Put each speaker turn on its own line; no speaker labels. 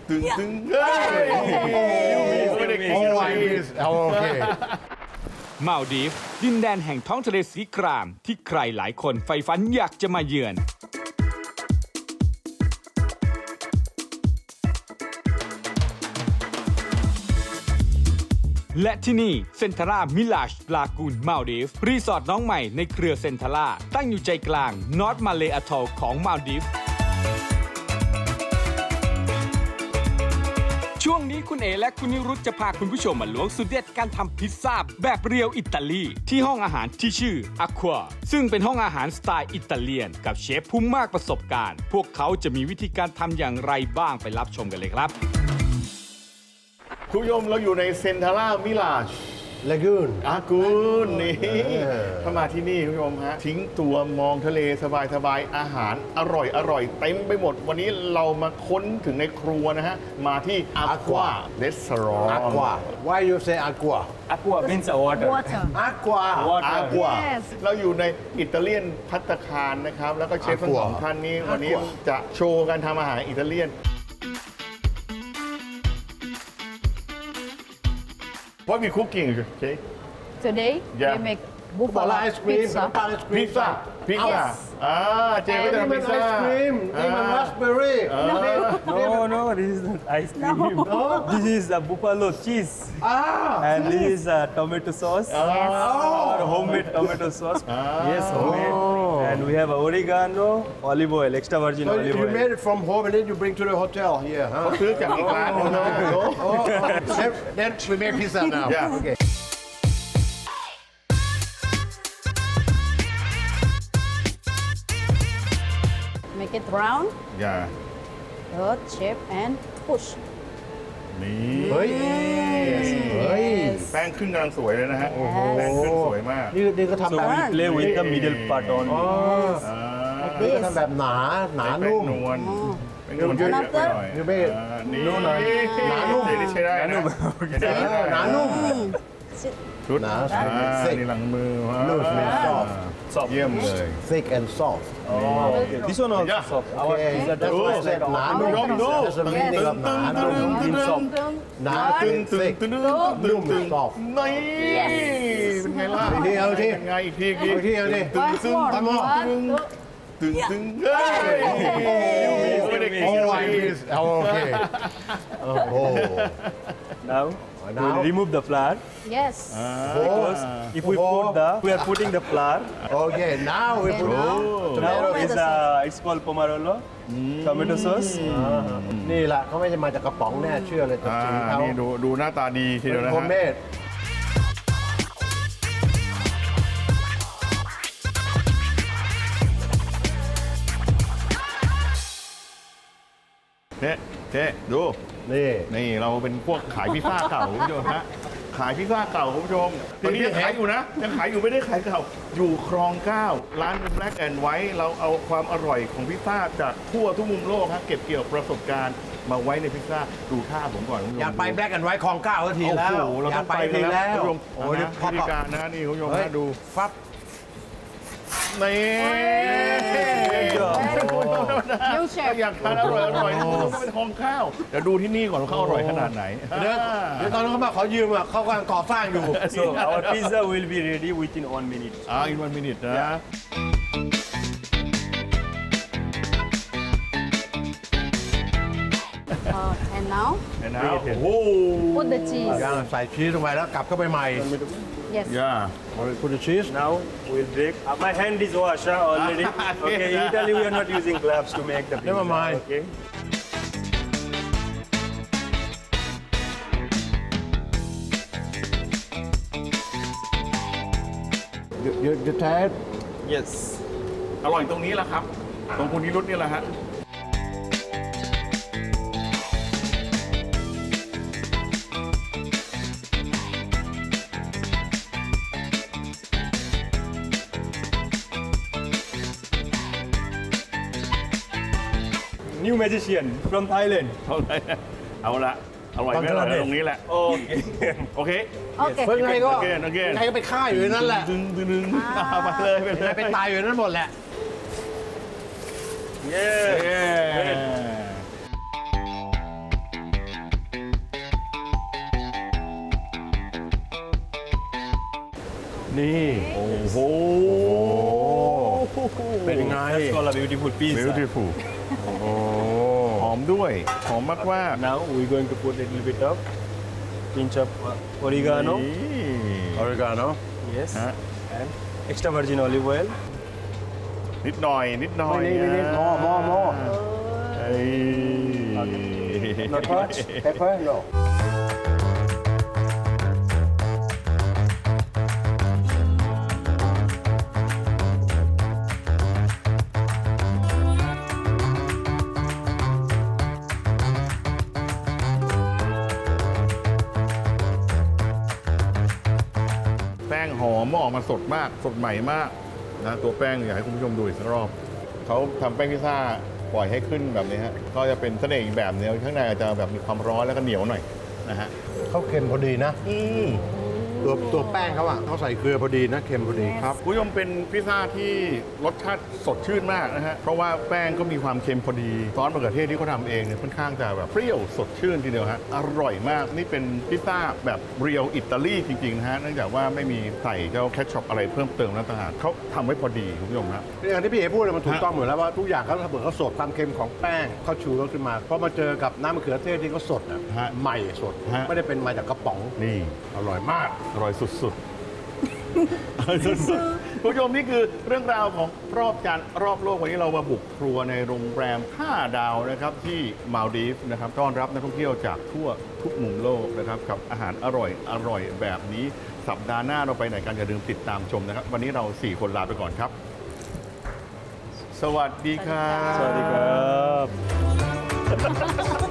ตึงตึงเฮ้ยไม่ได้กินอะไร
โอเค
มาลดีฟส์ดินแดนแห่งท้องทะเลสีครามที่ใครหลายคนใฝ่ฝันอยากจะมาเยือน และที่นี่เซนทาร่ามิลาชลากูนมาลดีฟส์รีสอร์ทน้องใหม่ในเครือเซนทาร่าตั้งอยู่ใจกลางนอร์ทมาเลย์อะทอลของมาลดีฟส์ช่วงนี้คุณเอและคุณนิรุตจะพาคุณผู้ชมมาล้วงสูตรเด็ดการทำพิซซ่าแบบเรียวอิตาลีที่ห้องอาหารที่ชื่อ Aqua ซึ่งเป็นห้องอาหารสไตล์อิตาเลียนกับเชฟผู้มากประสบการณ์พวกเขาจะมีวิธีการทำอย่างไรบ้างไปรับชมกันเลยครับ
คุณผู้ชมเราอยู่ในเซนทาร่ามิลาช
ลากูน
อากูนนี่ถ้ามาที่นี่คุณผู้ชมฮะทิ้งตัวมองทะเลสบายๆอาหารอร่อยเต็มไปหมด วันนี้เรามาค้นถึงในครัวนะฮะ มาที่ Aqua Restaurant
Aqua Why you say Aqua
Aqua means water.
Water.
Aqua
Aqua
Yes
เราอยู่ในอิตาเลียนภัตตาคารนะครับ แล้วก็เชฟทั้งสองท่านนี้วันนี้จะโชว์การทำอาหารอิตาเลียน What we cooking, okay?
Today
Yeah.
we make
บอล
buffalo
ไอศครีม
pizza.
น้ำตาลไอศครีม
พิซซ่าเจก็จะ
นี่
ทำ
มั
พิ
น
ซ
ไอ
ซ่า
ศครีมนี่มันราสเบอร์รี่
No, this is not ice cream. This is a buffalo cheese. And this is tomato sauce. Our homemade tomato sauce. Yes, homemade. And we have oregano, olive oil, extra virgin
So
olive
you made
oil.
it from home and then you bring to the hotel here, huh?
ซื้อจากอีกร้านหนึงนะ
Then we make pizza now.
Yeah.
Okay.
Make it round,
อย่า
good shape and push.
นี่
เฮ้ย เฮ้ย
Yes.
แป้งขึ้นกำลังสวยเลยนะฮะแป้งขึ้นสวยมาก
นี่ก็ทำ
So
แบบ
we play with the middle part only.
นี่ก็ทำแบบหนาหนา
แป้
นุ่
ง
ม
นวลแป้งนวลเยอะไปหน่อย
You made it
นี่
นุ่มหน่อยหนานุ่ม
นี่ใช้ได้นะใช้ได้
หนานุ่ม
Sit.
ชุด
หนา
นี่หลังมือ
Loose and soft
เยี่ยมเลย
thick and soft
Okay. This one also
Yeah.
soft. Our
Okay,
pizza
that's why I said หนานุ่ม That's the meaning of หนานุ่ม หนา
ตึง
thick
ตึง
นุ่ม soft
นี่เป็นไงล่ะ
อีกทีเอาอีกที
เป็นไงอีกที
เอาอีกทีเอาอีกที
Once more.
One more.
One, two.
ตึงตึงเฮ้ยไม่ได้กินอะไร
Okay. Oh.
Now,
Now?
we'll remove the flour.
Yes.
Because if we we are putting the flour.
Okay. Now we put
now.
Now
Tomato
is it's called pomarolo, tomato sauce.
นี่แหละเขาไม่ได้มาจากกระป๋องแน่เชื่อเลยแต่สีเขา
นี่ดูหน้าตาดีทีเดียวนะ
โฮ
ฮะ
มเมด
เจ๊ดู
นี่
นี่เราเป็นพวกขายพิซซ่าเก่าคุณผู้ชมฮะขายพิซซ่าเก่าคุณผู้ชมตอนนี้ยังขายอยู่นะยังขายอยู่ไม่ได้ขายเก่าอยู่คลอง 9 ร้าน Black and White เราเอาความอร่อยของพิซซ่าจากทั่วทุกมุมโลกฮะเก็บเกี่ยวประสบการณ์มาไว้ในพิซซ่าดูท่าผมก่อนคุณผู้ชม
อยากไปแบล็กแอนด์ไวท์คลองเก้าที
โอ้
แล้ว
โหเรา
อยา
ต้อก ง
ไป
ไป
ที
กัน
แล้
แล้ว
ว
คุณผู้ชม
โอ้ย
นะ
พอ
วิธีการนะนี่คุณผู้ชม
เฮ้ย
ฮะดู
ฟับ
นี่
New
ถ้า
chef.
อยากทานอร่อยต้องเป็นคลองข้าวเดี๋ยวดูที่นี่ก่อนว่าเขาอร่อยขนาดไหน
เดี๋ยวตอนนั้นเขามาขอยืมอ่ะเขากำลังก่อสร้างอยู่
So our pizza will be ready within 1 minute.
in 1 minute นะ
And now
เห็นนะโอ้โห
put the cheese.
ย่างใส่ชีสลงไปแล้วกลับเข้าไปใหม่
Yes.
ย่า
คุณจะชีส
Now we'll break. My hand is washed already. Okay, in Italy we are not using gloves to make the pizza.
Never mind.
Okay.
you taste
Yes.
อร่อยตรงนี้แหละครับ ตรงคุณนิรุตนี่แหละฮะ
New magician from Thailand.
เอาละอร่อยไหมล่ะตรงนี้แหละ
Okay.
โอเค
Okay.
เพิ่งไงก็
โอเค
ไงก็ไปฆ่าอยู่ในนั้นแหละ
ดึงไปเลยไปเลย
ไปตายอยู่ในนั้นหมดแหละ
Yeah.
เย้
นี่
โอ้โห
เป็นไง
That's called a beautiful pizza.
beautiful
โอ้
หอมด้วย หอมมากว่า
Now we're going to put a little bit of pinch of oregano.
ออริกาโน
Yes.
ฮะ
And extra virgin olive oil.
นิดหน่อย นิดหน่อย
นิดมอ
เอ้ย
not much pepper no
แป้งหอมออกมาสดมาก สดใหม่มากนะตัวแป้งอยากให้คุณผู้ชมดูอีกสักรอบ เขาทำแป้งพิซซ่าปล่อยให้ขึ้นแบบนี้ฮะ ก็จะเป็นเสน่ห์อีกแบบนึงข้างในอาจจะแบบมีความร้อนแล้วก็เหนียวหน่อยนะฮะ
เขาเค็มพอดีนะตัวแป้งเขาอ่ะเขาใส่เกลือพอดีนะเค็มพอดีครับ
คุณผู้ชมเป็นพิซซ่าที่รสชาติสดชื่นมากนะฮะ เพราะว่าแป้งก็มีความเค็มพอดี ซอสมะเขือเทศที่เขาทำเองเนี่ยค่อนข้างจะแบบเปรี้ยวสดชื่นทีเดียวฮะ อร่อยมาก นี่เป็นพิซซ่าแบบเรียวอิตาลีจริงๆนะฮะ เนื่องจากว่าไม่มีใส่เจ้าแคชช็อปอะไรเพิ่มเติมแล้วต่างหากเขาทำไว้พอดีคุณผู้ชมฮะ
อย่างที่พี่เอพูดเลยมันถูกต้องหมดแล้วว่าทุกอย่างเขาเหมือนเขาสดความเค็มของแป้งเขาชูเขาขึ้นมาพอมาเจอกับน้ำมะเขือเทศที่เขาสดอ่ะ
ฮะ
ใหม่สด
ฮะ
ไม่ได้เป็นมาจากกระป๋อง
นี่
อร่อยมาก
อร่อยสุดๆ สุดๆคุณผู้ชมนี่คือเรื่องราวของรอบจานรอบโลกวันนี้เรามาบุกครัวในโรงแรม 5 ดาวนะครับที่มาลดีฟส์นะครับต้อนรับนักท่องเที่ยวจากทั่วทุกมุมโลกนะครับกับอาหารอร่อยแบบนี้สัปดาห์หน้าเราไปไหนกันอย่าลืมติดตามชมนะครับ วันนี้เรา 4 คนลาไปก่อนครับ สวัสดีครับ
Sorry,